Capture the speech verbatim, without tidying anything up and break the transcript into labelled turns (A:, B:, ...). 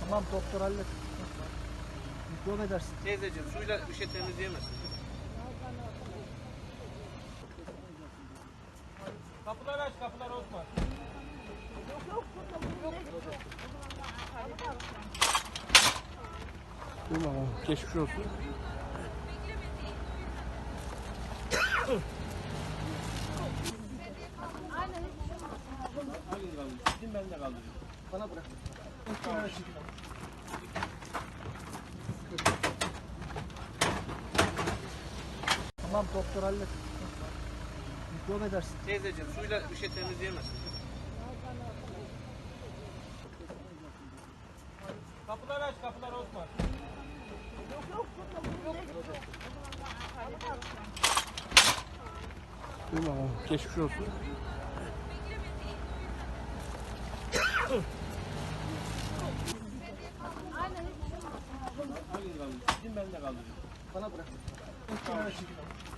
A: Tamam doktor hallet. Mikrop edersin.
B: Teyzeciğim suyla bir şey temizleyemezsin. Kapıları aç, kapıları Osman.
A: Tamam. Geçmiş olsun.
B: Hangi kaldırıyorsun? Gidin ben de kaldırıyorum.
A: Bana bırak. Tamam doktor hallet. Mikrop edersin.
B: Teyzeciğim suyla bir şey temizleyemezsin. Kapıları aç, kapıları Osman.
A: Tamam. Geçmiş olsun.
B: Hangi kaldırıyorsun? Gidin ben de kaldırıyorum.
A: Bana bırak.